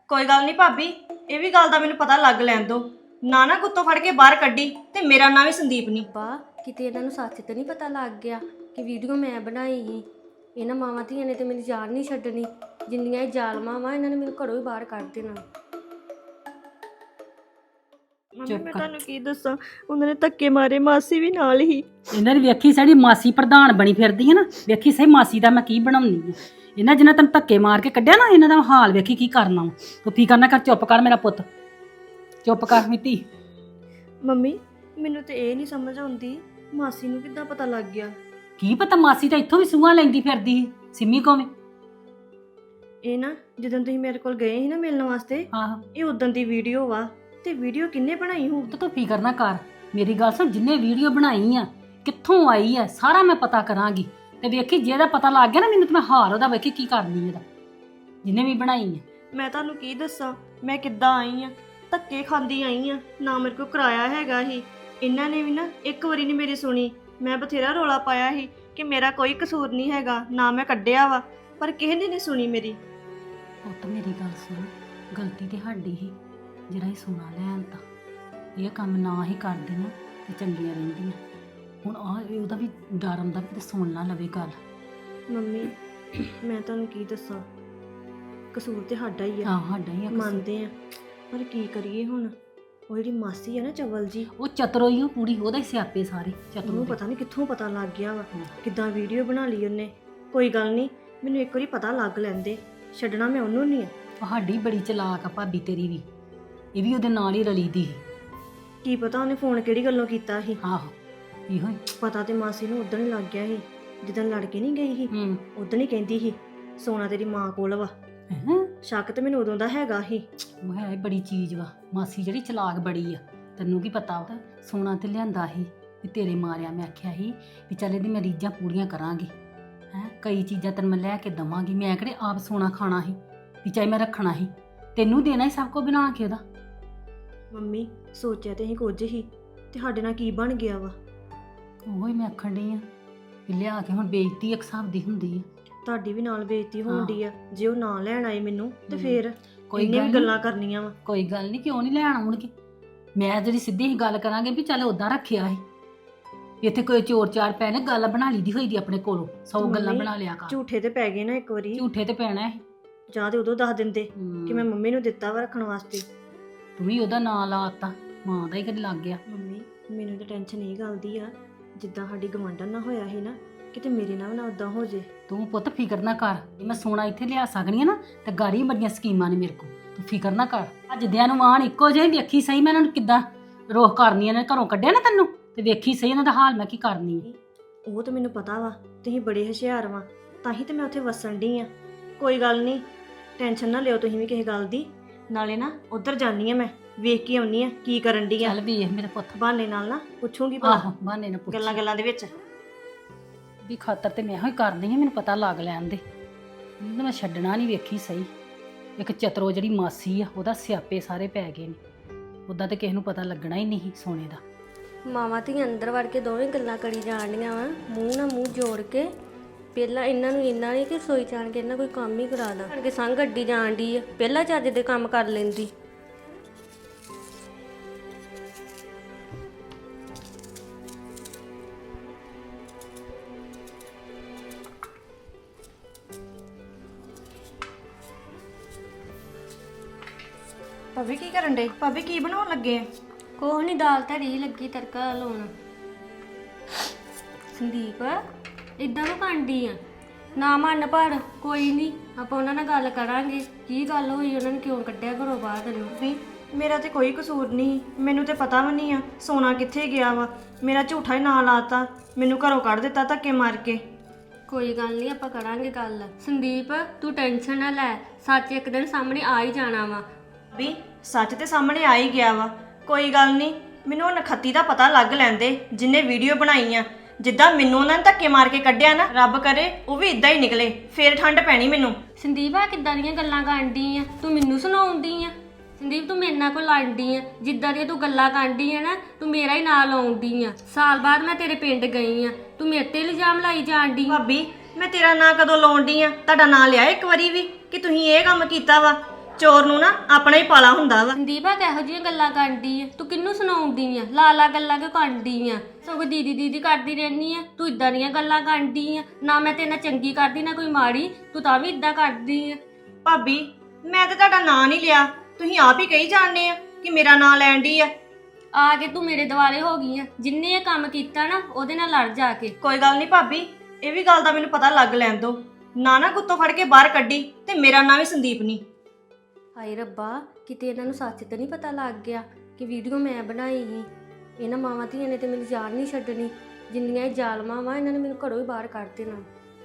ਕੋਈ ਗੱਲ ਨਹੀਂ ਭਾਬੀ, ਇਹ ਵੀ ਗੱਲ ਦਾ ਮੈਨੂੰ ਪਤਾ ਲੱਗ ਲੈਣ ਦੋ। ਨਾ ਕੁੱਤੋਂ ਫੜ ਕੇ ਬਾਹਰ ਕੱਢੀ ਤੇ ਮੇਰਾ ਨਾਂ ਵੀ ਸੰਦੀਪ ਨਹੀਂ। ਬਾ ਕਿਤੇ ਇਹਨਾਂ ਨੂੰ ਸੱਚ ਤੇ ਨਹੀਂ ਪਤਾ ਲੱਗ ਗਿਆ ਕਿ ਵੀਡੀਓ ਮੈਂ ਬਣਾਈ ਸੀ। ਇਹਨਾਂ ਮਾਵਾਂ ਧੀਆਂ ਨੇ ਤੇ ਮੇਰੀ ਜਾਨ ਨਹੀਂ ਛੱਡਣੀ। ਜਿੰਨੀਆਂ ਇਹ ਜ਼ਾਲਮਾਂ ਵਾ ਇਹਨਾਂ ਨੇ ਮੈਨੂੰ ਘਰੋਂ ਹੀ ਬਾਹਰ ਕੱਢ ਦੇਣਾ। ਮੰਮੀ ਮੈਂ ਤੁਹਾਨੂੰ ਕੀ ਦੱਸਾਂ, ਉਹਨਾਂ ਨੇ ਧੱਕੇ ਮਾਰੇ, ਮਾਸੀ ਵੀ ਨਾਲ ਹੀ। ਇਹਨਾਂ ਦੀ ਵੇਖੀ ਸਾਡੀ ਮਾਸੀ ਪ੍ਰਧਾਨ ਬਣੀ ਫਿਰਦੀ ਹੈ ਨਾ, ਵੇਖੀ ਸਹੀ ਮਾਸੀ ਦਾ ਮੈਂ ਕੀ ਬਣਾਉਣੀ ਹੈ। ਇਹਨਾਂ ਜਿਹਨਾਂ ਤੈਨੂੰ ਧੱਕੇ ਮਾਰ ਕੇ ਕੱਢਿਆ ਨਾ, ਇਹਨਾਂ ਦਾ ਹਾਲ ਵੇਖੀ ਕੀ ਕਰਨਾ ਵਾ। ਤੂੰ ਫਿਕਰ ਨਾ ਕਰ, ਚੁੱਪ ਕਰ ਮੇਰਾ ਪੁੱਤ, ਚੁੱਪ ਕਰ ਮਿੱਤੀ। ਮੰਮੀ ਮੈਨੂੰ ਤੇ ਇਹ ਨਹੀਂ ਸਮਝ ਆਉਂਦੀ, ਮਾਸੀ ਨੂੰ ਕਿੱਦਾਂ ਪਤਾ ਲੱਗ ਗਿਆ? ਕੀ ਪਤਾ, ਮਾਸੀ ਤਾਂ ਇੱਥੋਂ ਵੀ ਸੂਹਾਂ ਲੈਂਦੀ ਫਿਰਦੀ ਸੀ ਸਿੰਮੀ ਕੋਵੇਂ। ਇਹ ਨਾ ਜਦੋਂ ਤੁਸੀਂ ਮੇਰੇ ਕੋਲ ਗਏ ਸੀ ਨਾ ਮਿਲਣ ਵਾਸਤੇ, ਆਹੋ ਇਹ ਉਦੋਂ ਦੀ ਵੀਡੀਓ ਵਾ। ਤੇ ਵੀਡੀਓ ਕਿੰਨੇ ਬਣਾਈ ਹੋਊ? ਤੂੰ ਫਿਕਰ ਨਾ ਕਰ, ਮੇਰੀ ਗੱਲ ਸੁਣ, ਜਿੰਨੇ ਵੀਡੀਓ ਬਣਾਈ ਆ ਕਿੱਥੋਂ ਆਈ ਆ ਸਾਰਾ ਮੈਂ ਪਤਾ ਕਰਾਂਗੀ। ਤੇ ਵੇਖੀ ਜੇ ਇਹਦਾ ਪਤਾ ਲੱਗ ਗਿਆ ਨਾ ਮੈਨੂੰ, ਤੇ ਮੈਂ ਹਾਰ ਉਹਦਾ ਵੇਖੀ ਕੀ ਕਰਨੀ ਇਹਦਾ, ਜਿੰਨੇ ਵੀ ਬਣਾਈ ਆ। ਮੈਂ ਤੁਹਾਨੂੰ ਕੀ ਦੱਸਾਂ, ਮੈਂ ਕਿੱਦਾਂ ਆਈ ਆ, ਧੱਕੇ ਖਾਂਦੀ ਆਈ ਆ, ਨਾ ਮੇਰੇ ਕੋਲ ਕਿਰਾਇਆ ਹੈਗਾ ਹੀ। ਇਹਨਾਂ ਨੇ ਵੀ ਨਾ ਇੱਕ ਵਾਰੀ ਨਹੀਂ ਮੇਰੀ ਸੁਣੀ। ਮੈਂ ਬਥੇਰਾ ਰੋਲਾ ਪਾਇਆ ਸੀ ਕਿ ਮੇਰਾ ਕੋਈ ਕਸੂਰ ਨਹੀਂ ਹੈਗਾ, ਨਾ ਮੈਂ ਕੱਢਿਆ ਵਾ, ਪਰ ਕਿਸੇ ਨੇ ਨਹੀਂ ਸੁਣੀ ਮੇਰੀ। ਪੁੱਤ ਮੇਰੀ ਗੱਲ ਸੁਣ, ਗਲਤੀ ਤੇ ਸਾਡੀ ਹੀ ਜਿਹੜਾ ਇਹ ਸੋਨਾ ਲੈਣ ਤਾਂ ਇਹ ਕੰਮ ਨਾ ਹੀ ਕਰਦੇ ਨਾ ਤੇ ਚੰਗੀਆਂ ਰਹਿੰਦੀਆਂ। ਹੁਣ ਉਹਦਾ ਵੀ ਡਰ ਆਉਂਦਾ ਕਿ ਸੁਣ ਨਾ ਲਵੇ ਗੱਲ। ਮੰਮੀ ਮੈਂ ਤੁਹਾਨੂੰ ਕੀ ਦੱਸਾਂ, ਕਸੂਰ ਤੇ ਸਾਡਾ ਹੀ ਆ। ਹਾਂ ਸਾਡਾ ਹੀ ਆ ਕਸੂਰ। ਮੰਨਦੇ ਆ, ਪਰ ਕੀ ਕਰੀਏ ਹੁਣ? ਉਹ ਜਿਹੜੀ ਮਾਸੀ ਆ ਨਾ ਚਵਲ ਜੀ, ਉਹ ਚਤਰੋਈ ਉਹ ਪੂਰੀ, ਉਹਦਾ ਹੀ ਸਿਆਪੇ ਸਾਰੇ ਚਤਰੋ। ਉਹਨੂੰ ਪਤਾ ਨਹੀਂ ਕਿੱਥੋਂ ਪਤਾ ਲੱਗ ਗਿਆ ਵਾ, ਕਿੱਦਾਂ ਵੀਡੀਓ ਬਣਾ ਲਈ ਉਹਨੇ। ਕੋਈ ਗੱਲ ਨਹੀਂ, ਮੈਨੂੰ ਇੱਕ ਵਾਰੀ ਪਤਾ ਲੱਗ ਲੈਂਦੇ, ਛੱਡਣਾ ਮੈਂ ਉਹਨੂੰ ਨਹੀਂ ਆ। ਸਾਡੀ ਬੜੀ ਚਲਾਕ ਆ ਭਾਬੀ ਤੇਰੀ ਵੀ, ਇਹ ਵੀ ਉਹਦੇ ਨਾਲ ਹੀ ਰਲੀ ਦੀ ਸੀ। ਕੀ ਪਤਾ ਉਹਨੇ ਫੋਨ ਕਿਹੜੀ ਗੱਲੋਂ ਕੀਤਾ ਸੀ। ਆਹੋ ਇਹੋ ਹੀ। ਪਤਾ ਤੇ ਮਾਸੀ ਨੂੰ ਉਦੋਂ ਹੀ ਲੱਗ ਗਿਆ ਸੀ, ਜਦੋਂ ਲੜ ਕੇ ਨਹੀਂ ਗਈ ਸੀ, ਉਦੋਂ ਹੀ ਕਹਿੰਦੀ ਸੀ ਸੋਨਾ ਤੇਰੀ ਮਾਂ ਕੋਲ ਵਾ। ਸ਼ੱਕ ਤੇ ਮੈਨੂੰ ਉਦੋਂ ਦਾ ਹੈਗਾ ਸੀ। ਉਹ ਹੈ ਬੜੀ ਚੀਜ਼ ਵਾ, ਮਾਸੀ ਜਿਹੜੀ ਚਲਾਕ ਬੜੀ ਆ। ਤੈਨੂੰ ਕੀ ਪਤਾ, ਉਹਦਾ ਸੋਨਾ ਤੇ ਲਿਆਂਦਾ ਸੀ ਵੀ ਤੇਰੇ ਮਾਰਿਆ। ਮੈਂ ਆਖਿਆ ਸੀ ਵੀ ਚੱਲ ਇਹਦੀ ਮੈਂ ਰੀਝਾਂ ਪੂਰੀਆਂ ਕਰਾਂਗੀ, ਕਈ ਚੀਜ਼ਾਂ ਤੈਨੂੰ ਮੈਂ ਲੈ ਕੇ ਦਵਾਂਗੀ। ਮੈਂ ਕਿਹੜੇ ਆਪ ਸੋਨਾ ਖਾਣਾ ਸੀ ਵੀ ਚਾਹੇ ਮੈਂ ਰੱਖਣਾ ਸੀ, ਤੈਨੂੰ ਦੇਣਾ ਹੀ ਸਭ ਕੁਝ ਬਣਾ ਕੇ ਉਹਦਾ। ਮੰਮੀ ਸੋਚਿਆ ਤੇ ਅਸੀਂ ਕੁਝ ਹੀ, ਤੇ ਸਾਡੇ ਨਾਲ ਕੀ ਬਣ ਗਿਆ ਵਾ? ਉਹੀ ਮੈਂ ਆਖਣ ਡਈ ਆ ਵੀ ਲਿਆ ਕੇ ਹੁਣ ਬੇਇੱਜ਼ਤੀ ਇੱਕ ਹਿਸਾਬ ਦੀ ਹੁੰਦੀ ਆ। ਤੁਹਾਡੀ ਵੀ ਨਾਲ ਬੇਇੱਜ਼ਤੀ ਹੋਣ ਡਈ ਆ। ਜੇ ਉਹ ਨਾ ਲੈਣ ਆਏ ਮੈਨੂੰ ਤੇ ਫੇਰ ਕੋਈ ਇਹਨੇ ਵੀ ਗੱਲਾਂ ਕਰਨੀਆਂ ਵਾ। ਕੋਈ ਗੱਲ ਨਹੀਂ, ਕਿਉਂ ਨਹੀਂ ਲੈਣ ਆਉਣਗੇ? ਮੈਂ ਜਿਹੜੀ ਸਿੱਧੀ ਹੀ ਗੱਲ ਕਰਾਂਗੇ ਵੀ ਚੱਲ ਉਦਾਂ ਰੱਖਿਆ ਸੀ, ਇੱਥੇ ਕੋਈ ਚੋਰ ਚਾਰ ਪੈ ਨੇ, ਗੱਲ ਬਣਾ ਲਈ ਦੀ ਹੋਈ ਦੀ ਆਪਣੇ ਕੋਲੋਂ, 100 ਗੱਲਾਂ ਬਣਾ ਲਿਆ ਕਰ। ਝੂਠੇ ਤੇ ਪੈ ਗਏ ਨਾ ਇੱਕ ਵਾਰੀ। ਝੂਠੇ ਤੇ ਪੈਣਾ ਹੈ। ਜਾਂ ਤੇ ਉਦੋਂ ਦੱਸ ਦਿੰਦੇ ਕਿ ਮੈਂ ਮੰਮੀ ਨੂੰ ਦਿੱਤਾ ਵਾ ਰੱਖਣ ਵਾਸਤੇ। ਤੂੰ ਵੀ ਉਹਦਾ ਨਾਂ ਲਾਤਾ, ਮਾਂ ਦਾ ਹੀ ਕਦੇ ਲੱਗ ਗਿਆ। ਮੰਮੀ ਮੈਨੂੰ ਤਾਂ ਟੈਨਸ਼ਨ ਇਹ ਗੱਲ ਦੀ ਆ, ਜਿੱਦਾਂ ਸਾਡੀ ਗਵਾਂਢਣ ਨਾਲ ਹੋਇਆ ਸੀ ਨਾ, ਕਿਤੇ ਮੇਰੇ ਨਾਲ ਨਾ ਉਦਾਂ ਹੋ ਜੇ। ਤੂੰ ਪੁੱਤ ਫਿਕਰ ਨਾ ਕਰ, ਮੈਂ ਸੋਨਾ ਇੱਥੇ ਲਿਆ ਸਕਣੀ ਆ ਨਾ, ਤੇ ਗਾੜੀ ਬੜੀਆਂ ਸਕੀਮਾਂ ਨੇ ਮੇਰੇ ਕੋਲ, ਤੂੰ ਫਿਕਰ ਨਾ ਕਰ। ਅੱਜ ਨੂੰ ਆਣ ਇੱਕੋ ਜਿਹੇ, ਵੇਖੀ ਸਹੀ ਮੈਂ ਇਹਨਾਂ ਨੂੰ ਕਿੱਦਾਂ ਰੋਹ ਕਰਨੀ, ਇਹਨਾਂ ਨੇ ਘਰੋਂ ਕੱਢਿਆ ਨਾ ਤੈਨੂੰ, ਤੇ ਵੇਖੀ ਸਹੀ ਇਹਨਾਂ ਦਾ ਹਾਲ ਮੈਂ ਕੀ ਕਰਨੀ। ਉਹ ਤਾਂ ਮੈਨੂੰ ਪਤਾ ਵਾ, ਤੁਸੀਂ ਬੜੇ ਹੁਸ਼ਿਆਰ ਵਾ, ਤਾਂ ਹੀ ਤੇ ਮੈਂ ਉੱਥੇ ਵਸਣ ਡਈ ਆ। ਕੋਈ ਗੱਲ ਨਹੀਂ, ਟੈਨਸ਼ਨ ਨਾ ਲਿਓ ਤੁਸੀਂ ਵੀ ਕਿਸੇ ਗੱਲ ਦੀ। ਨਾਲੇ ਨਾ ਉੱਧਰ ਜਾਨੀ ਆ, ਮੈਂ ਵੇਖ ਕੇ ਆਉਣੀ ਆ ਕੀ ਕਰਨ ਡਈ ਆ। ਚੱਲ ਵੇਖ ਮੇਰੇ ਪੁੱਤ, ਬਹਾਨੇ ਨਾਲ ਨਾ ਪੁੱਛੂਗੀ ਆਹੋ ਬਹਾਨੇ ਨਾਲ ਪੁੱਛ ਗੱਲਾਂ ਦੇ ਵਿੱਚ ਵੀ ਖਾਤਰ ਤੇ ਮੈਂ ਹੀ ਕਰਦੀ ਆ, ਮੈਨੂੰ ਪਤਾ ਲੱਗ ਲੈਣ ਦੇ। ਇਹਨੂੰ ਮੈਂ ਛੱਡਣਾ ਨਹੀਂ, ਵੇਖੀ ਸਹੀ। ਇੱਕ ਚਤਰੋ ਜਿਹੜੀ ਮਾਸੀ ਆ, ਉਹਦਾ ਸਿਆਪੇ ਸਾਰੇ ਪੈ ਗਏ ਨੇ। ਉੱਦਾਂ ਤੇ ਕਿਸੇ ਨੂੰ ਪਤਾ ਲੱਗਣਾ ਹੀ ਨਹੀਂ ਸੋਨੇ ਦਾ। ਮਾਵਾਂ ਧੀਆਂ ਅੰਦਰ ਵੜ ਕੇ ਦੋਵੇਂ ਗੱਲਾਂ ਕਰੀ ਜਾਣੀਆਂ ਵਾ, ਮੂੰਹ ਨਾਲ ਮੂੰਹ ਜੋੜ ਕੇ। ਪਹਿਲਾਂ ਇਹਨਾਂ ਨੂੰ ਇੰਨਾ ਨਹੀਂ ਕਿ ਸੋਈ ਜਾਣ ਕੇ ਇਹਨਾਂ ਕੋਈ ਕੰਮ ਹੀ ਕਰਾ ਦਾਂ ਕਿ ਸੰਗ ਗੱਡੀ ਜਾਣ ਦੀ ਆ, ਪਹਿਲਾਂ ਚੱਜ ਦੇ ਕੰਮ ਕਰ ਲੈਂਦੀ। ਭਾਬੀ ਕੀ ਕਰਨ ਡੇ? ਭਾਬੀ ਕੀ ਬਣਾਉਣ ਲੱਗੇ ਆ? ਕੋਹ ਨਹੀਂ, ਦਾਲ ਧਰੀ ਲੱਗੀ ਤੜਕਾ ਲਾਉਣ। ਸੰਦੀਪ ਇਦਾਂ ਨੂੰ ਕਾਂਡੀ ਆ, ਨਾ ਮੰਨ ਪਰ ਕੋਈ ਨਹੀਂ, ਆਪਾਂ ਉਹਨਾਂ ਨਾਲ ਗੱਲ ਕਰਾਂਗੇ ਕੀ ਗੱਲ ਹੋਈ, ਉਹਨਾਂ ਨੇ ਕਿਉਂ ਕੱਢਿਆ ਘਰੋਂ ਬਾਹਰ ਤੈਨੂੰ। ਵੀ ਮੇਰਾ ਤੇ ਕੋਈ ਕਸੂਰ ਨਹੀਂ, ਮੈਨੂੰ ਤੇ ਪਤਾ ਵੀ ਨਹੀਂ ਆ ਸੋਨਾ ਕਿੱਥੇ ਗਿਆ ਵਾ। ਮੇਰਾ ਝੂਠਾ ਹੀ ਨਾਂ ਲਾਤਾ, ਮੈਨੂੰ ਘਰੋਂ ਕੱਢ ਦਿੱਤਾ ਧੱਕੇ ਮਾਰ ਕੇ। ਕੋਈ ਗੱਲ ਨਹੀਂ, ਆਪਾਂ ਕਰਾਂਗੇ ਗੱਲ। ਸੰਦੀਪ ਤੂੰ ਟੈਨਸ਼ਨ ਨਾ ਲੈ, ਸੱਚ ਇੱਕ ਦਿਨ ਸਾਹਮਣੇ ਆ ਹੀ ਜਾਣਾ ਵਾ। ਵੀ ਸੱਚ ਤੇ ਸਾਹਮਣੇ ਆ ਹੀ ਗਿਆ ਵਾ, ਕੋਈ ਗੱਲ ਨਹੀਂ, ਮੈਨੂੰ ਉਹ ਨਖੱਤੀ ਦਾ ਪਤਾ ਲੱਗ ਲੈਂਦੇ ਜਿਹਨੇ ਵੀਡੀਓ ਬਣਾਈ ਆ। ਜਿੱਦਾਂ ਮੈਨੂੰ ਉਹਨਾਂ ਨੇ ਧੱਕੇ ਮਾਰ ਕੇ ਕੱਢਿਆ ਨਾ, ਰੱਬ ਕਰੇ ਉਹ ਵੀ ਇਦਾਂ ਹੀ ਨਿਕਲੇ, ਫੇਰ ਠੰਡ ਪੈਣੀ ਮੈਨੂੰ। ਸੰਦੀਪ ਆ ਕਿੱਦਾਂ ਦੀਆਂ ਗੱਲਾਂ ਕਰਦੀ ਆ ਤੂੰ, ਮੈਨੂੰ ਸੁਣਾਉਂਦੀ ਆ? ਸੰਦੀਪ ਤੂੰ ਮੇਰੇ ਨਾਲ ਕੋਈ ਲੜਦੀ ਆ? ਜਿੱਦਾਂ ਦੀਆਂ ਤੂੰ ਗੱਲਾਂ ਕਰਦੀ ਆ ਨਾ, ਤੂੰ ਮੇਰਾ ਹੀ ਨਾਂ ਲਾਉਂਦੀ ਆ। ਸਾਲ ਬਾਅਦ ਮੈਂ ਤੇਰੇ ਪਿੰਡ ਗਈ ਆ, ਤੂੰ ਮੇਰੇ ਤੇ ਇਲਜ਼ਾਮ ਲਾਈ ਜਾਣਦੀ। ਭਾਬੀ ਮੈਂ ਤੇਰਾ ਨਾਂ ਕਦੋਂ ਲਾਉਣ ਡਈ ਆ? ਤੁਹਾਡਾ ਨਾਂ ਲਿਆ ਇੱਕ ਵਾਰੀ ਵੀ ਕਿ ਤੁਸੀਂ ਇਹ ਕੰਮ ਕੀਤਾ ਵਾ? ਚੋਰ ਨੂੰ ਨਾ ਆਪਣਾ ਹੀ ਪਾਲਾ ਹੁੰਦਾ ਵਾ। ਸੰਦੀਪ ਆ ਕਿਹੋ ਜਿਹੀਆਂ ਗੱਲਾਂ ਕਰਦੀ ਆ? ਤੂੰ ਕਿਹਨੂੰ ਸੁਣਾਉਂਦੀ ਆ? ਲਾ ਗੱਲਾਂ ਕਿਉਂ ਕਰਦੀ ਆ? ਸਗੋਂ ਦੀਦੀ ਦੀਦੀ ਕਰਦੀ ਰਹਿਨੀ ਆ। ਤੂੰ ਇਦਾਂ ਦੀਆਂ ਗੱਲਾਂ ਕਰਦੀ ਆ। ਨਾ ਮੈਂ ਤੇਰੇ ਨਾਲ ਚੰਗੀ ਕਰਦੀ ਨਾ ਕੋਈ ਮਾੜੀ, ਤੂੰ ਤਾਂ ਵੀ ਇਦਾਂ ਕਰਦੀ ਆ। ਭਾਬੀ ਮੈਂ ਤੇ ਤੁਹਾਡਾ ਨਾਂ ਨਹੀਂ ਲਿਆ, ਤੁਸੀਂ ਆਪ ਹੀ ਕਹੀ ਜਾਣਦੇ ਆ ਕਿ ਮੇਰਾ ਨਾਂ ਲੈਣ ਡਈ ਆ। ਆ ਕੇ ਤੂੰ ਮੇਰੇ ਦੁਆਲੇ ਹੋ ਗਈ ਆ। ਜਿੰਨੇ ਇਹ ਕੰਮ ਕੀਤਾ ਨਾ ਉਹਦੇ ਨਾਲ ਲੜ ਜਾ ਕੇ। ਕੋਈ ਗੱਲ ਨਹੀਂ ਭਾਬੀ, ਇਹ ਵੀ ਗੱਲ ਦਾ ਮੈਨੂੰ ਪਤਾ ਲੱਗ ਲੈਣ ਦੋ। ਨਾ ਗੁੱਤੋਂ ਫੜ ਕੇ ਬਾਹਰ ਕੱਢੀ ਤੇ ਮੇਰਾ ਨਾਂ ਵੀ ਸੰਦੀਪ ਨਹੀਂ। ਹਾਏ ਰੱਬਾ, ਕਿਤੇ ਇਹਨਾਂ ਨੂੰ ਸੱਚ ਤਾਂ ਨਹੀਂ ਪਤਾ ਲੱਗ ਗਿਆ ਕਿ ਵੀਡੀਓ ਮੈਂ ਬਣਾਈ ਸੀ। ਇਹਨਾਂ ਮਾਵਾਂ ਧੀਆਂ ਨੇ ਤੇ ਮੈਨੂੰ ਜਾਨ ਨਹੀਂ ਛੱਡਣੀ। ਜਿੰਨੀਆਂ ਇਹ ਜ਼ਾਲਮਾਂ ਵਾ ਇਹਨਾਂ ਨੇ ਮੈਨੂੰ ਘਰੋਂ ਹੀ ਬਾਹਰ ਕੱਢ ਦੇਣਾ।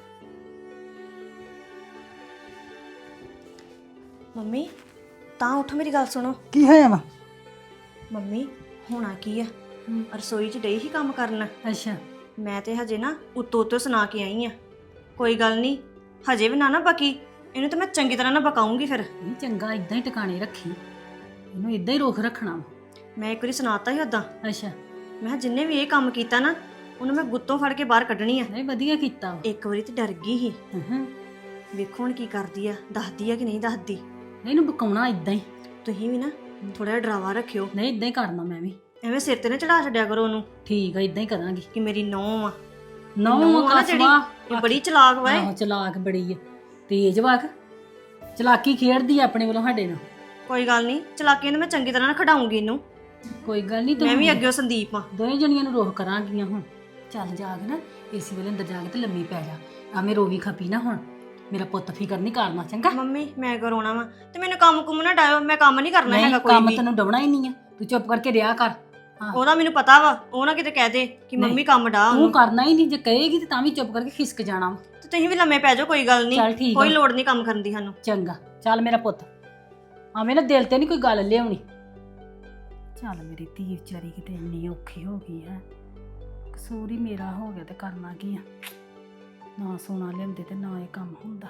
ਮੰਮੀ ਤਾਂ ਉੱਠ, ਮੇਰੀ ਗੱਲ ਸੁਣੋ। ਕੀ ਹੋਇਆ ਵਾ? ਮੰਮੀ ਹੋਣਾ ਕੀ ਆ, ਰਸੋਈ 'ਚ ਡਈ ਹੀ ਕੰਮ ਕਰਨ। ਅੱਛਾ ਮੈਂ ਤੇ ਹਜੇ ਨਾ ਉੱਤੋਂ ਸੁਣਾ ਕੇ ਆਈ ਆ। ਕੋਈ ਗੱਲ ਨਹੀਂ, ਹਜੇ ਵੀ ਨਾ ਬਕੀ, ਇਹਨੂੰ ਤਾਂ ਮੈਂ ਚੰਗੀ ਤਰ੍ਹਾਂ ਨਾ ਬਕਾਉਂਗੀ। ਫਿਰ ਨਹੀਂ ਚੰਗਾ, ਇਦਾਂ ਹੀ ਟਿਕਾਣੇ ਰੱਖੀ, ਇਹਨੂੰ ਇਦਾਂ ਹੀ ਰੋਕ ਰੱਖਣਾ ਵਾ। ਮੈਂ ਇੱਕ ਵਾਰੀ ਸੁਣਾਤਾ ਸੀ ਉਦਾਂ, ਅੱਛਾ ਮੈਂ ਕਿਹਾ ਜਿੰਨੇ ਵੀ ਇਹ ਕੰਮ ਕੀਤਾ ਨਾ ਉਹਨੂੰ ਮੈਂ ਗੁੱਤੋਂ ਫੜ ਕੇ ਬਾਹਰ ਕੱਢਣੀ ਆ। ਨਹੀਂ ਵਧੀਆ ਕੀਤਾ ਵਾ। ਇੱਕ ਵਾਰੀ ਤੇ ਡਰ ਗਈ ਸੀ, ਹਾਂ ਵੇਖੋ ਹੁਣ ਕੀ ਕਰਦੀ ਆ, ਦੱਸਦੀ ਆ ਕਿ ਨਹੀਂ ਦੱਸਦੀ। ਇਹਨੂੰ ਬਕਾਉਣਾ ਇਦਾਂ ਹੀ। ਤੁਸੀਂ ਵੀ ਨਾ ਥੋੜਾ ਜਿਹਾ ਡਰਾਵਾ ਰੱਖਿਓ, ਨਹੀਂ ਇਦਾਂ ਹੀ ਕਰਨਾ ਮੈਂ ਵੀ। ਐਵੇਂ ਸਿਰ ਤੇ ਨਾ ਚੜਾ ਛੱਡਿਆ ਕਰੋ ਉਹਨੂੰ ਠੀਕ ਆ, ਇਦਾਂ ਹੀ ਕਰਾਂਗੀ। ਕਿ ਮੇਰੀ ਨੂੰਹ ਆ। ਨੌ ਨੂੰਹ ਆ ਨਾ ਜਿਹੜੀ, ਇਹ ਬੜੀ ਚਲਾਕ ਵਾ ਇਹ। ਆਹੋ ਚਲਾਕ ਬੜੀ ਆ, ਤੇਜ ਵਾਕ, ਚਲਾਕੀ ਖੇਡਦੀ ਆ ਆਪਣੇ ਵੱਲੋਂ ਸਾਡੇ ਨਾਲ। ਕੋਈ ਗੱਲ ਨਹੀਂ, ਚਲਾਕੀ ਨੂੰ ਮੈਂ ਚੰਗੀ ਤਰ੍ਹਾਂ ਨਾ ਖਡਾਉਂਗੀ ਇਹਨੂੰ। ਕੋਈ ਗੱਲ ਨਹੀਂ, ਮੈਂ ਵੀ ਅੱਗੇ ਸੰਦੀਪ ਆ। ਦੋਵੇਂ ਜਣੀਆਂ ਨੂੰ ਰੋਕ ਕਰਾਂਗੀਆਂ ਹੁਣ। ਚੱਲ ਜਾ ਕੇ ਨਾ ਏਸੀ ਵਾਲੇ ਅੰਦਰ ਜਾ ਕੇ ਤੇ ਲੰਮੀ ਪੈ ਜਾ। ਆਵੇਂ ਰੋਵੀ ਖਪੀ ਨਾ ਹੁਣ। ਮੇਰਾ ਪੁੱਤ ਫਿਕਰ ਨਹੀਂ ਕਰਨਾ, ਚੰਗਾ? ਮੰਮੀ ਮੈਂ ਕਰੋਣਾ ਵਾ ਤੇ ਮੈਨੂੰ ਕੰਮ ਕੁਮ ਨਾ ਡਾਇਓ, ਮੈਂ ਕੰਮ ਨਹੀਂ ਕਰਨਾ ਹੈਗਾ ਕੋਈ ਕੰਮ ਵੀ। ਤੈਨੂੰ ਡਵਣਾ ਹੀ ਨਹੀਂ ਆ, ਤੂੰ ਚੁੱਪ ਕਰਕੇ ਰਿਹਾ ਕਰ। ਹਾਂ ਉਹਦਾ ਮੈਨੂੰ ਪਤਾ ਵਾ, ਉਹ ਨਾ ਕਿਤੇ ਕਹਿ ਦੇ ਕਿ ਮੰਮੀ ਕੰਮ ਡਾ ਤੂੰ ਉਹਨੂੰ। ਕਰਨਾ ਹੀ ਨਹੀਂ, ਜੇ ਕਹੇਗੀ ਤੇ ਤਾਂ ਵੀ ਚੁੱਪ ਕਰਕੇ ਖਿਸਕ ਜਾਣਾ ਵਾ। ਤੇ ਤੁਸੀਂ ਵੀ ਲੰਮੇ ਪੈ ਜਾਓ, ਕੋਈ ਗੱਲ ਚੱਲ ਨਹੀਂ, ਠੀਕ ਕੋਈ ਆ। ਲੋੜ ਨਹੀਂ ਕੰਮ ਕਰਨ ਦੀ ਸਾਨੂੰ। ਚੰਗਾ ਚੱਲ ਮੇਰਾ ਪੁੱਤ, ਆਵੇਂ ਨਾ ਦਿਲ ਤੇ ਨਹੀਂ ਕੋਈ ਗੱਲ ਲਿਆਉਣੀ। ਚੱਲ ਮੇਰੀ ਧੀ ਵਿਚਾਰੀ ਕਿਤੇ ਇੰਨੀ ਔਖੀ ਹੋ ਗਈ ਹੈ। ਕਸੂਰ ਹੀ ਮੇਰਾ ਹੋ ਗਿਆ ਤੇ ਕਰਨਾ ਕੀ ਆ। ਨਾ ਸੋਨਾ ਲਿਆਉਂਦੇ ਤੇ ਨਾ ਇਹ ਕੰਮ ਹੁੰਦਾ।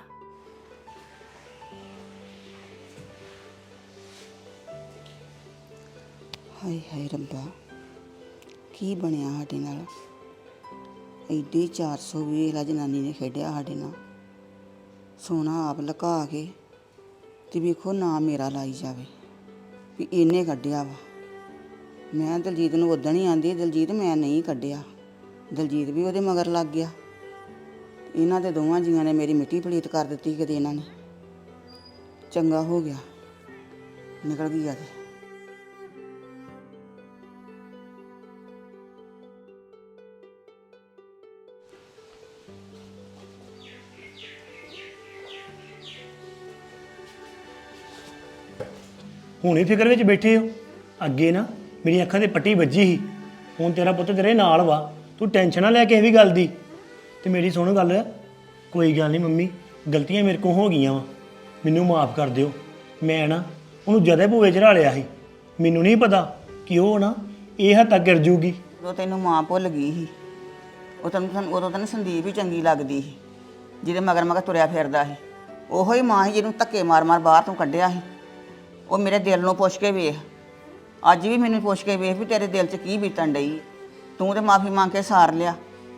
ਹਾਏ ਹਾਏ ਰੱਬਾ, ਕੀ ਬਣਿਆ ਸਾਡੇ ਨਾਲ? ਐਡੀ 400 ਵੀ ਲਾ ਜਨਾਨੀ ਨੇ ਖੇਡਿਆ ਸਾਡੇ ਨਾਲ। ਸੋਨਾ ਆਪ ਲੁਕਾ ਕੇ ਤੇ ਵੇਖੋ ਨਾ ਮੇਰਾ ਲਾਈ ਜਾਵੇ ਵੀ ਇਹਨੇ ਕੱਢਿਆ ਵਾ। ਮੈਂ ਦਲਜੀਤ ਨੂੰ ਉਦਣ ਹੀ ਆਂਦੀ, ਦਲਜੀਤ ਮੈਂ ਨਹੀਂ ਕੱਢਿਆ। ਦਲਜੀਤ ਵੀ ਉਹਦੇ ਮਗਰ ਲੱਗ ਗਿਆ। ਇਹਨਾਂ ਦੇ ਦੋਵਾਂ ਜੀਆਂ ਨੇ ਮੇਰੀ ਮਿੱਟੀ ਪਲੀਤ ਕਰ ਦਿੱਤੀ। ਕਦੇ ਇਹਨਾਂ ਨੇ ਚੰਗਾ ਹੋ ਗਿਆ, ਨਿਕਲ ਗਈ ਤੇ। ਹੁਣੇ ਫਿਕਰ ਵਿੱਚ ਬੈਠੇ ਹੋ। ਅੱਗੇ ਨਾ ਮੇਰੀ ਅੱਖਾਂ ਤੇ ਪੱਟੀ ਵੱਜੀ ਸੀ, ਹੁਣ ਤੇਰਾ ਪੁੱਤ ਤੇਰੇ ਨਾਲ ਵਾ। ਤੂੰ ਟੈਨਸ਼ਨ ਨਾ ਲੈ ਕੇ ਇਹ ਵੀ ਗੱਲ ਦੀ। ਤੇ ਮੇਰੀ ਸੁਣ ਗੱਲ, ਕੋਈ ਗੱਲ ਨਹੀਂ ਮੰਮੀ, ਗਲਤੀਆਂ ਮੇਰੇ ਕੋਲ ਹੋ ਗਈਆਂ ਵਾ, ਮੈਨੂੰ ਮਾਫ ਕਰ ਦਿਓ। ਮੈਂ ਨਾ ਉਹਨੂੰ ਜ਼ਿਆਦਾ ਭੂਵੇ ਚੜਾ ਲਿਆ ਸੀ। ਮੈਨੂੰ ਨਹੀਂ ਪਤਾ ਕਿ ਉਹ ਨਾ ਇਹ ਹੱਦ ਤੱਕ ਗਿਰ ਜੂਗੀ। ਉਦੋਂ ਤੈਨੂੰ ਮਾਂ ਭੁੱਲ ਗਈ ਸੀ। ਉਦੋਂ ਤੈਨੂੰ ਸੰਦੀਪ ਹੀ ਚੰਗੀ ਲੱਗਦੀ ਸੀ, ਜਿਹਦੇ ਮਗਰ ਮਗਰ ਤੁਰਿਆ ਫਿਰਦਾ ਸੀ। ਉਹੋ ਹੀ ਮਾਂ ਸੀ ਜਿਹਨੂੰ ਧੱਕੇ ਮਾਰ ਮਾਰ ਬਾਹਰ ਤੋਂ ਕੱਢਿਆ ਸੀ। ਉਹ ਮੇਰੇ ਦਿਲ ਨੂੰ ਪੁੱਛ ਕੇ ਵੇਖ, ਅੱਜ ਵੀ ਮੈਨੂੰ ਪੁੱਛ ਕੇ ਵੇਖ ਵੀ ਤੇਰੇ ਦਿਲ 'ਚ ਕੀ ਬੀਤਣ ਡਈ। ਤੂੰ ਤੇ ਮਾਫੀ ਮੰਗ ਕੇ ਸਾਰ ਲਿਆ,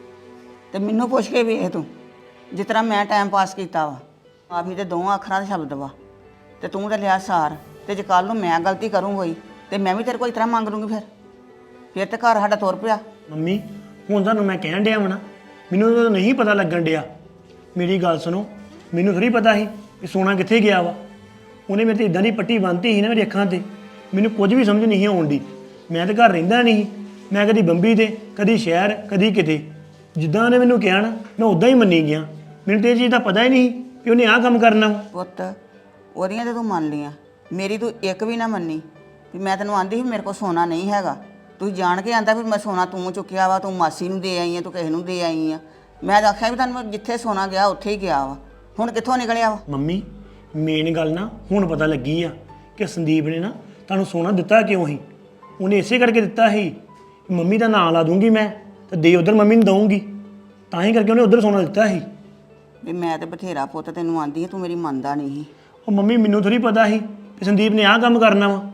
ਤੇ ਮੈਨੂੰ ਪੁੱਛ ਕੇ ਵੇਖ ਤੂੰ ਜਿਸ ਤਰ੍ਹਾਂ ਮੈਂ ਟਾਈਮ ਪਾਸ ਕੀਤਾ ਵਾ। ਮਾਫੀ ਤੇ ਦੋਵਾਂ ਅੱਖਰਾਂ ਦਾ ਸ਼ਬਦ ਵਾ, ਤੇ ਤੂੰ ਤਾਂ ਲਿਆ ਸਾਰ। ਤੇ ਜੇ ਕੱਲ ਨੂੰ ਮੈਂ ਗਲਤੀ ਕਰੂੰ ਹੋਈ ਤੇ ਮੈਂ ਵੀ ਤੇਰੇ ਕੋਲ ਇਸ ਤਰ੍ਹਾਂ ਮੰਗ ਲੂੰਗੀ। ਫਿਰ ਤੇ ਘਰ ਸਾਡਾ ਤੁਰ ਪਿਆ। ਮੰਮੀ ਹੁਣ ਤੁਹਾਨੂੰ ਮੈਂ ਕਹਿਣ ਡਿਆ ਵਾ ਨਾ, ਮੈਨੂੰ ਤਾਂ ਨਹੀਂ ਪਤਾ ਲੱਗਣ ਡਿਆ। ਮੇਰੀ ਗੱਲ ਸੁਣੋ, ਮੈਨੂੰ ਥੋੜ੍ਹੀ ਪਤਾ ਸੀ ਕਿ ਸੋਨਾ ਕਿੱਥੇ ਗਿਆ ਵਾ। ਉਹਨੇ ਮੇਰੇ ਤੇ ਇਦਾਂ ਦੀ ਪੱਟੀ ਬੰਨ੍ਹਤੀ ਸੀ ਨਾ ਮੇਰੀ ਅੱਖਾਂ ਤੇ, ਮੈਨੂੰ ਕੁਝ ਵੀ ਸਮਝ ਨਹੀਂ ਆਉਣ ਦੀ। ਮੈਂ ਤਾਂ ਘਰ ਰਹਿੰਦਾ ਨਹੀਂ, ਮੈਂ ਕਦੀ ਬੰਬੀ ਤੇ, ਕਦੀ ਸ਼ਹਿਰ, ਕਦੀ ਕਿਤੇ। ਜਿੱਦਾਂ ਉਹਨੇ ਮੈਨੂੰ ਕਿਹਾ ਨਾ, ਮੈਂ ਉਦਾਂ ਹੀ ਮੰਨੀ ਗਿਆ। ਮੈਨੂੰ ਤੇ ਇਹ ਚੀਜ਼ ਦਾ ਪਤਾ ਹੀ ਨਹੀਂ ਕਿ ਉਹਨੇ ਆਹ ਕੰਮ ਕਰਨਾ। ਪੁੱਤ ਉਹਦੀਆਂ ਤੇ ਤੂੰ ਮੰਨ ਲਈਆਂ, ਮੇਰੀ ਤੂੰ ਇੱਕ ਵੀ ਨਾ ਮੰਨੀ। ਵੀ ਮੈਂ ਤੈਨੂੰ ਆਂਦੀ ਸੀ ਮੇਰੇ ਕੋਲ ਸੋਨਾ ਨਹੀਂ ਹੈਗਾ, ਤੂੰ ਜਾਣ ਕੇ ਆਂਦਾ ਵੀ ਮੈਂ ਸੋਨਾ ਤੂੰ ਚੁੱਕਿਆ ਵਾ, ਤੂੰ ਮਾਸੀ ਨੂੰ ਦੇ ਆਈ ਆ, ਤੂੰ ਕਿਸੇ ਨੂੰ ਦੇ ਆਈ ਆ। ਮੈਂ ਤਾਂ ਆਖਿਆ ਵੀ ਤੁਹਾਨੂੰ ਜਿੱਥੇ ਸੋਨਾ ਗਿਆ ਉੱਥੇ ਹੀ ਗਿਆ ਵਾ, ਹੁਣ ਕਿੱਥੋਂ ਨਿਕਲਿਆ ਵਾ? ਮੰਮੀ ਮੇਨ ਗੱਲ ਨਾ ਹੁਣ ਪਤਾ ਲੱਗੀ ਆ ਕਿ ਸੰਦੀਪ ਨੇ ਨਾ ਤੁਹਾਨੂੰ ਸੋਨਾ ਦਿੱਤਾ ਕਿਉਂ ਸੀ। ਉਹਨੇ ਇਸੇ ਕਰਕੇ ਦਿੱਤਾ ਸੀ, ਮੰਮੀ ਦਾ ਨਾਂ ਲਾ ਦੂੰਗੀ ਮੈਂ ਤੇ ਦੇ ਉਧਰ ਮੰਮੀ ਨੂੰ ਦਊਂਗੀ, ਤਾਂ ਹੀ ਕਰਕੇ ਉਹਨੇ ਉਧਰ ਸੋਨਾ ਦਿੱਤਾ ਸੀ। ਵੀ ਮੈਂ ਤੇ ਬਥੇਰਾ ਪੁੱਤ ਤੈਨੂੰ ਆਂਦੀ, ਤੂੰ ਮੇਰੀ ਮੰਨਦਾ ਨਹੀਂ ਸੀ। ਉਹ ਮੰਮੀ ਮੈਨੂੰ ਥੋੜੀ ਪਤਾ ਸੀ ਕਿ ਸੰਦੀਪ ਨੇ ਆਹ ਕੰਮ ਕਰਨਾ ਵਾ।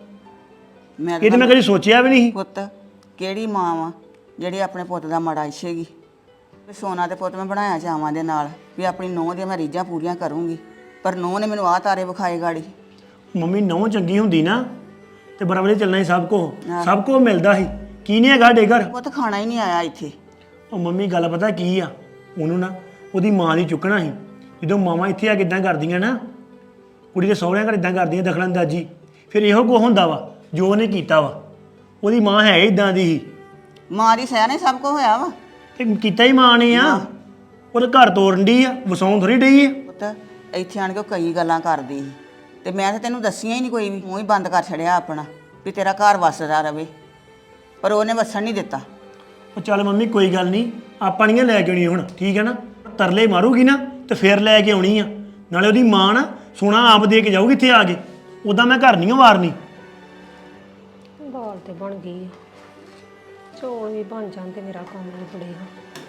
ਮੈਂ ਇਹ ਤਾਂ ਮੈਂ ਕਦੀ ਸੋਚਿਆ ਵੀ ਨਹੀਂ। ਪੁੱਤ ਕਿਹੜੀ ਮਾਂ ਵਾ ਜਿਹੜੀ ਆਪਣੇ ਪੁੱਤ ਦਾ ਮਾੜਾ ਇੱਛੇਗੀ? ਵੀ ਸੋਨਾ ਤੇ ਪੁੱਤ ਮੈਂ ਬਣਾਇਆ ਚਾਵਾਂ ਦੇ ਨਾਲ ਵੀ ਆਪਣੀ ਨੂੰਹ ਦੀਆਂ ਮੈਂ ਰੀਝਾਂ ਪੂਰੀਆਂ ਕਰੂੰਗੀ, ਪਰ ਨੂੰਹ ਨੇ ਮੈਨੂੰ ਆਹ ਤਾਰੇ ਵਿਖਾਏ ਗਾੜੀ। ਮੰਮੀ ਨਹੁੰ ਚੰਗੀ ਹੁੰਦੀ ਨਾ ਤੇ ਬਰਾਬਰ ਚੱਲਣਾ ਸੀ ਹਾਂ। ਸਭ ਕੁਝ ਮਿਲਦਾ ਸੀ। ਕੀ ਨਹੀਂ ਹੈਗਾ ਸਾਡੇ ਘਰ। ਉਹ ਤਾਂ ਖਾਣਾ ਹੀ ਨਹੀਂ ਆਇਆ ਇੱਥੇ। ਉਹ ਮੰਮੀ ਗੱਲ ਪਤਾ ਕੀ ਆ, ਉਹਨੂੰ ਨਾ ਉਹਦੀ ਮਾਂ ਦੀ ਚੁੱਕਣਾ ਸੀ। ਜਦੋਂ ਮਾਵਾਂ ਇੱਥੇ ਆ ਕੇ ਇਦਾਂ ਕਰਦੀਆਂ ਨਾ, ਕੁੜੀ ਦੇ ਸਹੁਰਿਆਂ ਘਰ ਇਦਾਂ ਕਰਦੀਆਂ ਦਖਲਅੰਦਾਜ਼ੀ, ਫਿਰ ਇਹੋ ਕੁਝ ਹੁੰਦਾ ਵਾ ਜੋ ਉਹਨੇ ਕੀਤਾ ਵਾ। ਉਹਦੀ ਮਾਂ ਹੈ ਇਦਾਂ ਦੀ ਸੀ ਮਾਂ ਦੀ ਸਹਿ ਨੇ ਸਭ ਕੁਝ ਹੋਇਆ ਵਾ। ਤੇ ਕੀਤਾ ਹੀ ਮਾਂ ਨੇ ਆ। ਉਹਦੇ ਘਰ ਤੋੜਨ ਡਈ ਆ, ਵਸਾਉਣ ਥੋੜੀ ਡਈ ਆ। ਪੁੱਤ ਇੱਥੇ ਆਣ ਕੇ ਉਹ ਕਈ ਗੱਲਾਂ ਕਰਦੀ ਸੀ ਤੇ ਮੈਂ ਤਾਂ ਤੈਨੂੰ ਦੱਸੀਆਂ ਹੀ ਨਹੀਂ ਕੋਈ ਵੀ, ਮੂੰਹ ਹੀ ਬੰਦ ਕਰ ਛੜਿਆ ਆਪਣਾ ਵੀ ਤੇਰਾ ਘਰ ਵਸਦਾ ਰਵੇ, ਪਰ ਉਹਨੇ ਵਸਣ ਨਹੀਂ ਦਿੱਤਾ। ਉਹ ਚੱਲ ਮੰਮੀ ਕੋਈ ਗੱਲ ਨਹੀਂ, ਆਪਾਂ ਨਹੀਂ ਲੈ ਕੇ ਆਉਣੀ ਹੁਣ, ਠੀਕ ਹੈ ਨਾ। ਤਰਲੇ ਮਾਰੂਗੀ ਨਾ ਤੇ ਫਿਰ ਲੈ ਕੇ ਆਉਣੀ ਆ। ਨਾਲੇ ਉਹਦੀ ਮਾਂ ਨਾ ਸੋਨਾ ਆਪ ਦੇ ਕੇ ਜਾਊਗੀ ਇੱਥੇ ਆ ਕੇ, ਉਦਾਂ ਮੈਂ ਘਰ ਨਹੀਂ ਵਾਰਨੀ। ਦਾਲ ਤੇ ਬਣ ਗਈ ਆ, ਚੌਲ ਵੀ ਬਣ ਜਾਣ ਤੇ ਮੇਰਾ ਕੰਮ ਨਿਬੜੇਗਾ।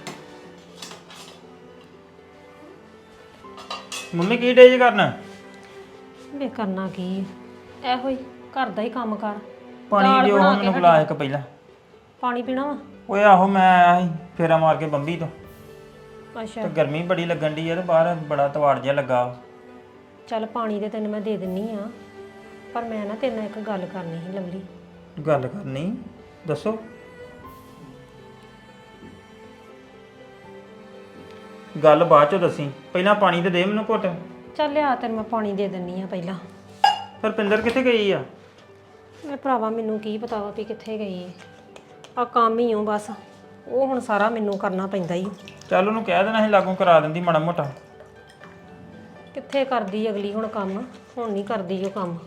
ਮੰਮੀ ਕੀ ਡੇ ਕਰਨਾ? ਮੈਂ ਕਰਨਾ ਕੀ ਆ? ਇਹੋ ਹੀ ਘਰ ਦਾ ਹੀ ਕੰਮ ਕਰ। ਪਾਣੀ ਦਾਲ ਦਿਓ ਬਣਾ ਕੇ ਮੈਨੂੰ ਬੁਲਾ ਇੱਕ ਪਹਿਲਾਂ। ਪਾਣੀ ਪੀਣਾ ਵਾ? ਓਏ ਆਹੋ ਮੈਂ ਆਇਆ ਸੀ ਫੇਰਾ ਮਾਰ ਕੇ ਬੰਬੀ ਤੋਂ, ਅੱਛਾ ਤੇ ਗਰਮੀ ਬੜੀ ਲੱਗਣ ਦੀ ਆ ਤੇ ਬਾਹਰ ਬੜਾ ਤਵਾੜ ਜਿਹਾ ਲੱਗਾ ਵਾ। ਚੱਲ ਪਾਣੀ ਤੇ ਤੈਨੂੰ ਮੈਂ ਦੇ ਦਿੰਨੀ ਆ, ਪਰ ਮੈਂ ਨਾ ਤੇਰੇ ਨਾਲ ਇੱਕ ਗੱਲ ਕਰਨੀ ਸੀ ਲਵਲੀ। ਗੱਲ ਕਰਨੀ? ਦੱਸੋ। ਗੱਲ ਬਾਅਦ ਚੋਂ ਦੱਸੀ, ਪਹਿਲਾਂ ਪਾਣੀ ਤੇ ਦੇ ਮੈਨੂੰ ਘੁੱਟ। ਚੱਲ ਲਿਆ ਤੈਨੂੰ ਮੈਂ ਪਾਣੀ ਦੇ ਦਿੰਨੀ ਆ ਪਹਿਲਾਂ। ਫਿਰ ਪਿੰਦਰ ਕਿੱਥੇ ਗਈ ਆ? ਮੇਰੇ ਭਰਾਵਾ ਮੈਨੂੰ ਕੀ ਪਤਾ ਵਾ ਵੀ ਕਿੱਥੇ ਗਈ ਆ, ਕੰਮ ਹੀ ਹੋ ਬਸ, ਉਹ ਹੁਣ ਸਾਰਾ ਮੈਨੂੰ ਕਰਨਾ ਪੈਂਦਾ ਹੀ। ਚੱਲ ਉਹਨੂੰ ਕਹਿ ਦੇਣਾ ਸੀ ਲਾਗੋਂ ਕਰਾ ਦਿੰਦੀ ਮਾੜਾ ਮੋਟਾ। ਕਿੱਥੇ ਕਰਦੀ ਅਗਲੀ ਹੁਣ ਕੰਮ, ਹੁਣ ਨਹੀਂ ਕਰਦੀ ਉਹ ਕੰਮ।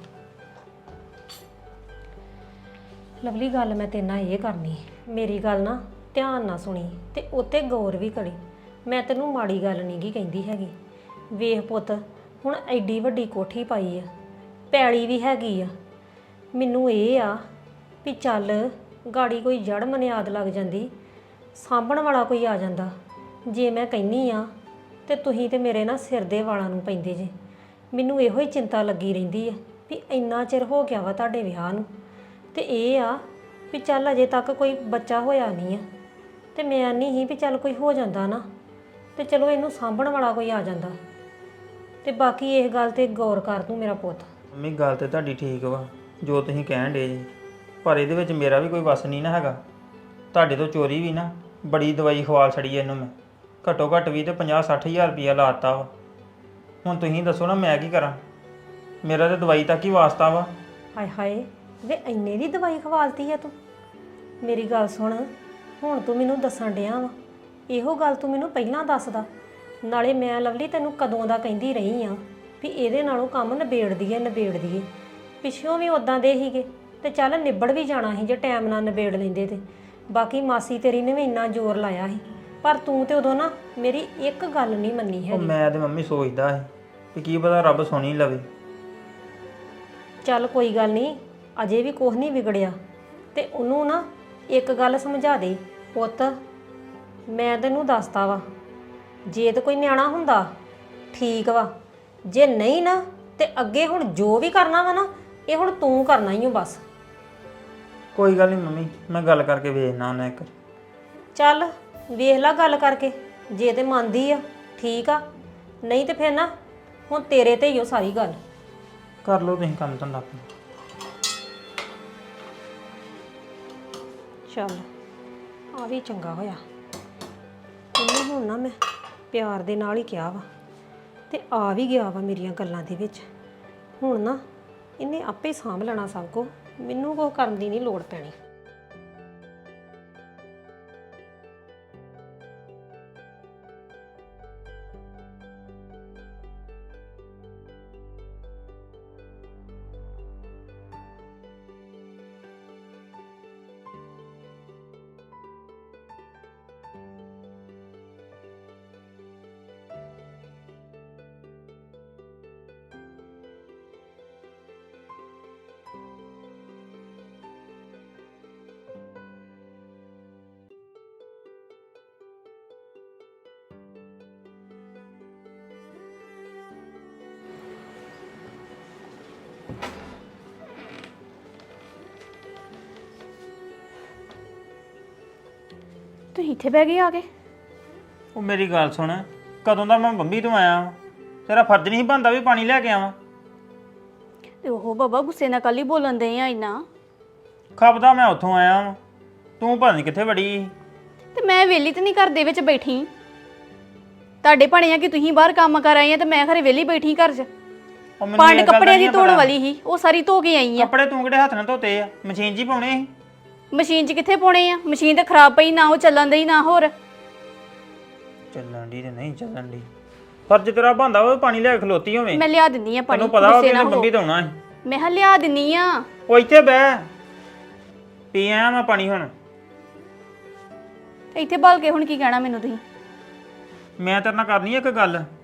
ਲਵਲੀ ਗੱਲ ਮੈਂ ਤੇਰੇ ਨਾਲ ਇਹ ਕਰਨੀ, ਮੇਰੀ ਗੱਲ ਨਾ ਧਿਆਨ ਨਾਲ ਸੁਣੀ ਤੇ ਉੱਤੇ ਗੌਰ ਵੀ ਕਰੀ। ਮੈਂ ਤੈਨੂੰ ਮਾੜੀ ਗੱਲ ਨਹੀਂ ਗੀ ਕਹਿੰਦੀ ਹੈਗੀ। ਵੇਖ ਪੁੱਤ, ਹੁਣ ਐਡੀ ਵੱਡੀ ਕੋਠੀ ਪਾਈ ਆ, ਪੈਲੀ ਵੀ ਹੈਗੀ ਆ। ਮੈਨੂੰ ਇਹ ਆ ਵੀ ਚੱਲ ਗਾੜੀ ਕੋਈ ਜੜ ਮਨਿਆਦ ਲੱਗ ਜਾਂਦੀ, ਸਾਂਭਣ ਵਾਲਾ ਕੋਈ ਆ ਜਾਂਦਾ। ਜੇ ਮੈਂ ਕਹਿੰਨੀ ਆ ਤੇ ਤੁਸੀਂ ਤੇ ਮੇਰੇ ਨਾ ਸਿਰ ਦੇ ਵਾਲਾਂ ਨੂੰ ਪੈਂਦੇ ਜੇ। ਮੈਨੂੰ ਇਹੋ ਹੀ ਚਿੰਤਾ ਲੱਗੀ ਰਹਿੰਦੀ ਆ ਵੀ ਇੰਨਾ ਚਿਰ ਹੋ ਗਿਆ ਵਾ ਤੁਹਾਡੇ ਵਿਆਹ ਨੂੰ, ਤੇ ਇਹ ਆ ਵੀ ਚੱਲ ਅਜੇ ਤੱਕ ਕੋਈ ਬੱਚਾ ਹੋਇਆ ਨਹੀਂ ਆ, ਤੇ ਮੈਂ ਨਹੀਂ ਸੀ ਵੀ ਚੱਲ ਕੋਈ ਹੋ ਜਾਂਦਾ ਨਾ ਤੇ ਚਲੋ ਇਹਨੂੰ ਸਾਂਭਣ ਵਾਲਾ ਕੋਈ ਆ ਜਾਂਦਾ। ਤੇ ਬਾਕੀ ਇਸ ਗੱਲ ਤੇ ਗੌਰ ਕਰ ਤੂੰ ਮੇਰਾ ਪੁੱਤ। ਮੰਮੀ ਗੱਲ ਤੇ ਤੁਹਾਡੀ ਠੀਕ ਵਾ ਜੋ ਤੁਸੀਂ ਕਹਿਣ ਡੇ ਜੀ, ਪਰ ਇਹਦੇ ਵਿੱਚ ਮੇਰਾ ਵੀ ਕੋਈ ਵਸ ਨਹੀਂ ਨਾ ਹੈਗਾ। ਤੁਹਾਡੇ ਤੋਂ ਚੋਰੀ ਵੀ ਨਾ ਬੜੀ ਦਵਾਈ ਖਵਾਲ ਛੜੀ ਇਹਨੂੰ ਮੈਂ, ਘੱਟੋ ਘੱਟ ਵੀ ਤੇ 50-60 ਹਜ਼ਾਰ ਰੁਪਇਆ ਲਾਤਾ ਵਾ। ਹੁਣ ਤੁਸੀਂ ਦੱਸੋ ਨਾ ਮੈਂ ਕੀ ਕਰਾਂ? ਮੇਰਾ ਤੇ ਦਵਾਈ ਤੱਕ ਹੀ ਵਾਸਤਾ ਵਾ। ਹਾਏ ਹਾਏ ਵੇ ਇੰਨੇ ਦੀ ਦਵਾਈ ਖਵਾਲਤੀ ਆ ਤੂੰ? ਮੇਰੀ ਗੱਲ ਸੁਣ, ਹੁਣ ਤੂੰ ਮੈਨੂੰ ਦੱਸਣ ਡਿਆ ਵਾ, ਇਹੋ ਗੱਲ ਤੂੰ ਮੈਨੂੰ ਪਹਿਲਾਂ ਦੱਸਦਾ। ਨਾਲੇ ਮੈਂ ਲਵਲੀ ਤੈਨੂੰ ਕਦੋਂ ਦਾ ਕਹਿੰਦੀ ਰਹੀ ਆ ਵੀ ਇਹਦੇ ਨਾਲੋਂ ਕੰਮ ਨਿਬੇੜ ਦਈਏ। ਪਿੱਛੋਂ ਵੀ ਉਦਾਂ ਦੇ ਹੀਗੇ ਤੇ ਚੱਲ ਨਿਬੜ ਵੀ ਜਾਣਾ ਸੀ ਜੇ ਟਾਈਮ ਨਾਲ ਨਿਬੇੜ ਲੈਂਦੇ ਤੇ। ਬਾਕੀ ਮਾਸੀ ਤੇਰੀ ਨੇ ਵੀ ਇੰਨਾ ਜ਼ੋਰ ਲਾਇਆ ਸੀ, ਪਰ ਤੂੰ ਤੇ ਉਦੋਂ ਨਾ ਮੇਰੀ ਇੱਕ ਗੱਲ ਨਹੀਂ ਮੰਨੀ ਉਹ ਹੈਗੀ। ਮੈਂ ਤੇ ਮੰਮੀ ਸੋਚਦਾ ਸੀ ਕਿ ਕੀ ਪਤਾ ਰੱਬ ਸੁਣੀ ਲਵੇ। ਚੱਲ ਕੋਈ ਗੱਲ ਨਹੀਂ, ਅਜੇ ਵੀ ਕੁਝ ਨਹੀਂ ਵਿਗੜਿਆ, ਤੇ ਉਹਨੂੰ ਨਾ ਇੱਕ ਗੱਲ ਸਮਝਾ ਦੇ ਪੁੱਤ। ਮੈਂ ਤੈਨੂੰ ਦੱਸਤਾ ਵਾ, ਜੇ ਤੇ ਕੋਈ ਨਿਆਣਾ ਹੁੰਦਾ ਠੀਕ ਵਾ, ਜੇ ਨਹੀਂ ਨਾ ਤੇ ਅੱਗੇ ਹੁਣ ਜੋ ਵੀ ਕਰਨਾ ਵਾ ਨਾ ਇਹ ਹੁਣ ਤੂੰ ਕਰਨਾ ਹੀ ਓ ਬਸ। ਕੋਈ ਗੱਲ ਨਹੀਂ ਮੰਮੀ, ਮੈਂ ਗੱਲ ਕਰਕੇ ਵੇਖਣਾ ਉਹਨਾਂ ਇੱਕ। ਚੱਲ ਵੇਖ ਲੈ ਗੱਲ ਕਰਕੇ, ਜੇ ਤੇ ਮੰਨਦੀ ਆ ਠੀਕ ਆ, ਨਹੀਂ ਤੇ ਫਿਰ ਨਾ ਹੁਣ ਤੇਰੇ ਤੇ ਹੀ ਉਹ ਸਾਰੀ ਗੱਲ। ਕਰ ਲਓ ਤੁਸੀਂ ਕੰਮ ਧੰਦਾ ਆਪਣਾ। ਚੱਲ ਆ ਵੀ ਚੰਗਾ ਹੋਇਆ, ਇਹਨੂੰ ਹੁਣ ਨਾ ਮੈਂ ਪਿਆਰ ਦੇ ਨਾਲ ਹੀ ਕਿਹਾ ਵਾ ਤੇ ਆ ਵੀ ਗਿਆ ਵਾ ਮੇਰੀਆਂ ਗੱਲਾਂ ਦੇ ਵਿੱਚ। ਹੁਣ ਨਾ ਇਹਨੇ ਆਪੇ ਸਾਂਭ ਲੈਣਾ ਸਭ ਕੁਝ, ਮੈਨੂੰ ਕੁਛ ਕਰਨ ਦੀ ਨਹੀਂ ਲੋੜ ਪੈਣੀ। ਤੁਸੀਂ ਇੱਥੇ ਬਹਿ ਗਏ ਆ ਕੇ? ਉਹ ਮੇਰੀ ਗੱਲ ਸੁਣ, ਕਦੋਂ ਦਾ ਮੈਂ ਬੰਬੀ ਤੋਂ ਆਇਆ ਵਾਂ, ਤੇਰਾ ਫਰਜ਼ ਨਹੀਂ ਬਣਦਾ ਵੀ ਪਾਣੀ ਲੈ ਕੇ ਆਵਾਂ? ਤੇ ਉਹ ਬਾਬਾ ਗੁੱਸੇ ਨਾਲ ਕੱਲ ਹੀ ਬੋਲਣ ਦੇ ਆ ਇੰਨਾ। ਖਪਦਾ ਮੈਂ ਉੱਥੋਂ ਆਇਆ ਵਾਂ, ਤੂੰ ਪਤਾ ਨਹੀਂ ਕਿੱਥੇ ਵੜੀ ਸੀ। ਤੇ ਮੈਂ ਵੇਲੀ ਤੇ ਨਹੀਂ ਘਰ ਦੇ ਵਿੱਚ ਬੈਠੀ, ਤੁਹਾਡੇ ਭਾਣੇ ਆ ਕਿ ਤੁਸੀਂ ਬਾਹਰ ਕੰਮ ਕਰ ਆਏ ਆ ਤੇ ਮੈਂ ਘਰੇ ਵੇਲੀ ਬੈਠੀ ਘਰ 'ਚ। ਉਹ ਮੈਨੂੰ ਪੰਡ ਇਹ ਗੱਲ ਦਾ ਕੱਪੜਿਆਂ ਦੀ ਨਹੀਂ ਧੋਣ ਪਤਾ। ਵਾਲੀ ਸੀ, ਉਹ ਸਾਰੀ ਧੋ ਕੇ ਆਈ ਆ। ਕੱਪੜੇ ਤੂੰ ਕਿਹੜੇ ਹੱਥ ਨਾਲ ਧੋਤੇ ਆ? ਮਸ਼ੀਨ 'ਚ ਹੀ ਪਾਉਣੇ ਸੀ। ਮਸ਼ੀਨ 'ਚ ਕਿੱਥੇ ਪਾਉਣੇ ਆ? ਮਸ਼ੀਨ ਤੇ ਖਰਾਬ ਪਈ, ਨਾ ਉਹ ਚੱਲਣ ਦੀ ਨਾ ਹੋਰ। ਚੱਲਣ ਦੀ ਤੇ ਨਹੀਂ ਚੱਲਣ ਦੀ, ਫਰਜ਼ ਤੇਰਾ ਬਣਦਾ ਉਹ ਪਾਣੀ ਲੈ ਕੇ ਖਲੋਤੀ ਹੋਵੇਂ। ਮੈਂ ਲਿਆ ਦਿੰਨੀ ਆ ਪਾਣੀ, ਤੈਨੂੰ ਪਤਾ ਵਾ ਕਿ ਗੁੱਸੇ ਨਾ ਇਹਨੇ ਹੋਵੋ। ਮੰਮੀ ਧੋਣਾ ਸੀ। ਮੈਂ ਹਾਂ ਲਿਆ ਦਿੰਨੀ ਆ। ਉਹ ਇੱਥੇ ਬਹਿ, ਪੀ ਆਇਆ ਮੈਂ ਪਾਣੀ ਹੁਣ। ਇੱਥੇ ਬਾਲ ਕੇ ਹੁਣ ਕੀ ਕਹਿਣਾ ਮੈਨੂੰ ਤੁਸੀਂ? ਮੈਂ ਤੇਰੇ ਨਾਲ ਕਰਨੀ ਆ ਇੱਕ ਗੱਲ।